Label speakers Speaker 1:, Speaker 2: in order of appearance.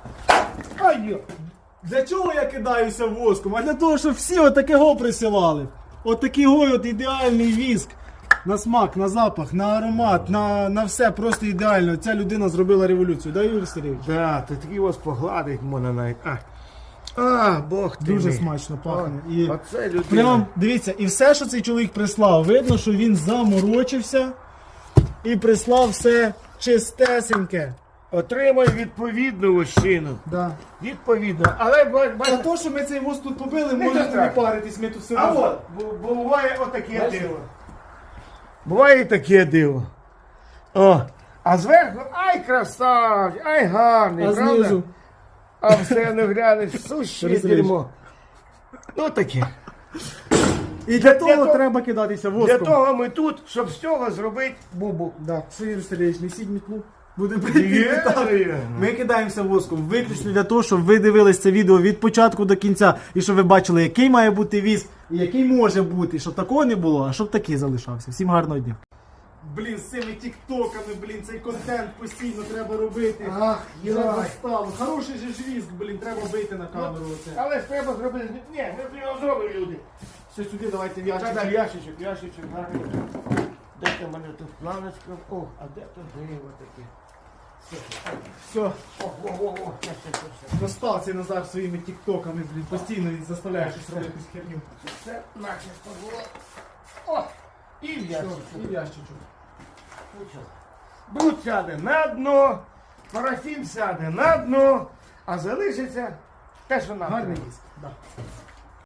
Speaker 1: Ай-йо! Для чого я кидаюся воском? А для того, щоб всі отакого присилали. Отакий от ідеальний віск. На смак, на запах, на аромат, на все просто ідеально. Ця людина зробила революцію. Да, Юрій Сергійович?
Speaker 2: Да, ти такий ось погладить можна навіть. Бог ти
Speaker 1: Дуже
Speaker 2: мій.
Speaker 1: смачно пахне. І
Speaker 2: Оце людина.
Speaker 1: прям, дивіться, і все, що цей чоловік прислав, видно, що він заморочився і прислав все чистесеньке.
Speaker 2: Отримай відповідну вощину.
Speaker 1: Да.
Speaker 2: Відповідно. Але
Speaker 1: А
Speaker 2: бачите,
Speaker 1: то, що ми цей воск тут побили,
Speaker 2: Не
Speaker 1: можете не
Speaker 2: так.
Speaker 1: паритись, ми тут все
Speaker 2: а
Speaker 1: разом.
Speaker 2: от, буває отаке
Speaker 1: Бачите?
Speaker 2: диво. Буває і таке диво. О, а зверху, ай красавчик, ай гарний,
Speaker 1: А
Speaker 2: правда?
Speaker 1: знизу?
Speaker 2: А все не глянеш, суще
Speaker 1: Розумієш.
Speaker 2: дерьмо. Ну таке.
Speaker 1: І для
Speaker 2: того-
Speaker 1: того треба кидатися
Speaker 2: Для
Speaker 1: воском.
Speaker 2: того ми тут, щоб з цього зробити бубу.
Speaker 1: Да, все, Юрій Сергійович, несіть мітлу. Будемо
Speaker 2: Є.
Speaker 1: Ми кидаємося воском виключно для того, щоб ви дивились це відео від початку до кінця. І щоб ви бачили, який має бути віск, і який може бути. Щоб такого не було, а щоб такий залишався. Всім гарного дня. Блін, з цими тіктоками, блін, цей контент постійно треба робити.
Speaker 2: Ах,
Speaker 1: Треба
Speaker 2: йой.
Speaker 1: стало. Хороший же ж віск, блін, треба бити на камеру оце.
Speaker 2: Але ж треба зробити. Ні, ми його зробимо, люди.
Speaker 1: Все сюди, давайте в
Speaker 2: Та-да,
Speaker 1: ящик.
Speaker 2: ящичок, гарний. Де там в мене тут планочка? О, а де тут дерево таке?
Speaker 1: Все,
Speaker 2: О, все.
Speaker 1: достав цей Назар своїми тіктоками, блін, постійно і заставляє щось робити якусь херню.
Speaker 2: Це начисто було. О, і в ящичок.
Speaker 1: І в ящичок.
Speaker 2: Бруд сяде на дно, парафін сяде на дно, а залишиться те, що нам.
Speaker 1: Гарний
Speaker 2: треба.
Speaker 1: віск, да.